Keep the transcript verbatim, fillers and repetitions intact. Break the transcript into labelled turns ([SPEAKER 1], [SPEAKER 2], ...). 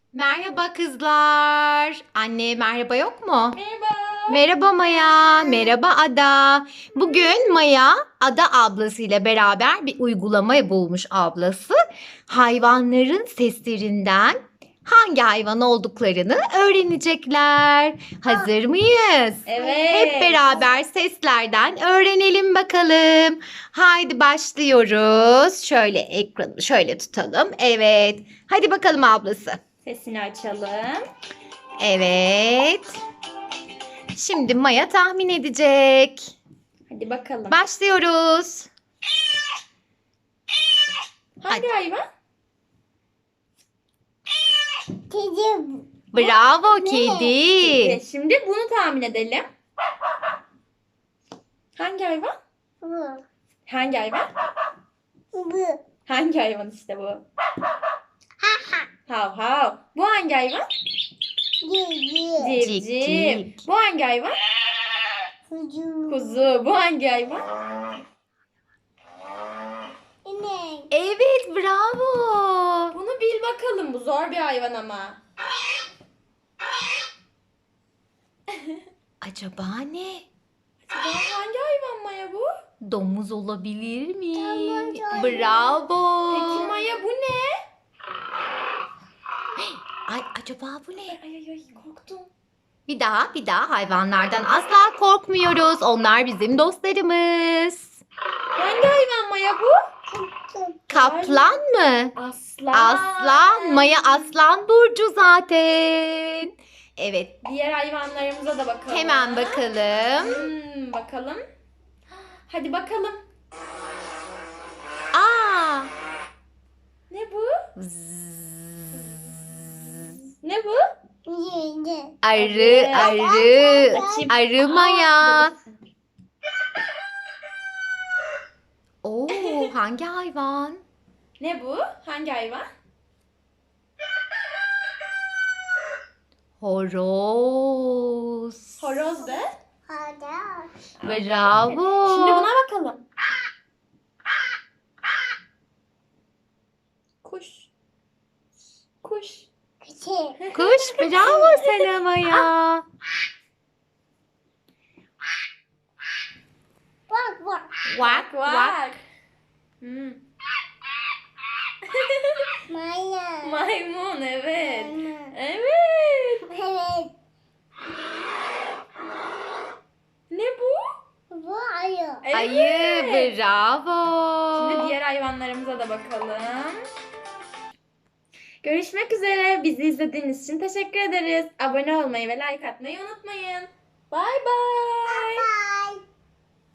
[SPEAKER 1] Merhaba kızlar. Anne merhaba yok mu?
[SPEAKER 2] Merhaba.
[SPEAKER 1] Merhaba Maya. Merhaba Ada. Bugün Maya Ada ablasıyla beraber bir uygulama bulmuş ablası. Hayvanların seslerinden hangi hayvan olduklarını öğrenecekler. Hazır mıyız?
[SPEAKER 2] Evet.
[SPEAKER 1] Hep beraber seslerden öğrenelim bakalım. Haydi başlıyoruz. Şöyle ekranı şöyle tutalım. Evet. Hadi bakalım ablası.
[SPEAKER 2] Sesini açalım.
[SPEAKER 1] Evet. Şimdi Maya tahmin edecek.
[SPEAKER 2] Hadi bakalım.
[SPEAKER 1] Başlıyoruz.
[SPEAKER 2] Hangi hayvan?
[SPEAKER 3] Kedi.
[SPEAKER 1] Bravo
[SPEAKER 2] Ne?
[SPEAKER 1] kedi.
[SPEAKER 2] Kedi. Şimdi bunu tahmin edelim. Hangi hayvan?
[SPEAKER 3] Bu.
[SPEAKER 2] Hangi hayvan?
[SPEAKER 3] Bu.
[SPEAKER 2] Hangi hayvan işte bu? Hav hav. Bu hangi hayvan?
[SPEAKER 3] Kedi.
[SPEAKER 1] Cik
[SPEAKER 2] Civciv.
[SPEAKER 1] cik.
[SPEAKER 2] Bu hangi hayvan?
[SPEAKER 3] Kuzu.
[SPEAKER 2] Kuzu. Bu hangi hayvan?
[SPEAKER 3] İnek.
[SPEAKER 1] Evet bravo.
[SPEAKER 2] Bunu bil bakalım. Bu zor bir hayvan ama.
[SPEAKER 1] Acaba ne?
[SPEAKER 2] Acaba hangi hayvan Maya bu?
[SPEAKER 1] Domuz olabilir mi?
[SPEAKER 3] Domuz
[SPEAKER 1] Bravo.
[SPEAKER 2] Peki Maya bu ne?
[SPEAKER 1] Ay acaba bu ne?
[SPEAKER 2] Ay ay ay korktum.
[SPEAKER 1] Bir daha bir daha hayvanlardan asla korkmuyoruz. Onlar bizim dostlarımız.
[SPEAKER 2] Hangi hayvan Maya bu?
[SPEAKER 1] Kaplan mı?
[SPEAKER 2] Aslan.
[SPEAKER 1] Aslan. Maya aslan burcu zaten. Evet.
[SPEAKER 2] Diğer hayvanlarımıza da bakalım.
[SPEAKER 1] Hemen bakalım.
[SPEAKER 2] Hmm, bakalım. Hadi bakalım.
[SPEAKER 1] Aa.
[SPEAKER 2] Ne bu? Ne bu?
[SPEAKER 3] Yedi.
[SPEAKER 1] Arı, arı.
[SPEAKER 2] Açayım.
[SPEAKER 1] Arı Maya. Oo, hangi hayvan?
[SPEAKER 2] Ne bu? Hangi hayvan?
[SPEAKER 1] Horoz.
[SPEAKER 2] Horoz de.
[SPEAKER 3] Hadi.
[SPEAKER 1] Bravo.
[SPEAKER 2] Şimdi buna bakalım. Kuş. Kuş.
[SPEAKER 3] Kedi.
[SPEAKER 1] Kuş, bravo sana Maya.
[SPEAKER 3] Bak bak.
[SPEAKER 1] Vak vak.
[SPEAKER 2] Vak. Hmm.
[SPEAKER 3] Maya.
[SPEAKER 2] Maymun evet.
[SPEAKER 3] Maymun.
[SPEAKER 2] Evet.
[SPEAKER 3] Evet.
[SPEAKER 2] Ne bu?
[SPEAKER 3] Bu ayı.
[SPEAKER 2] Evet.
[SPEAKER 1] Ayı, bravo.
[SPEAKER 2] Şimdi diğer hayvanlarımıza da bakalım. Görüşmek üzere. Bizi izlediğiniz için teşekkür ederiz. Abone olmayı ve like atmayı unutmayın. Bay bay.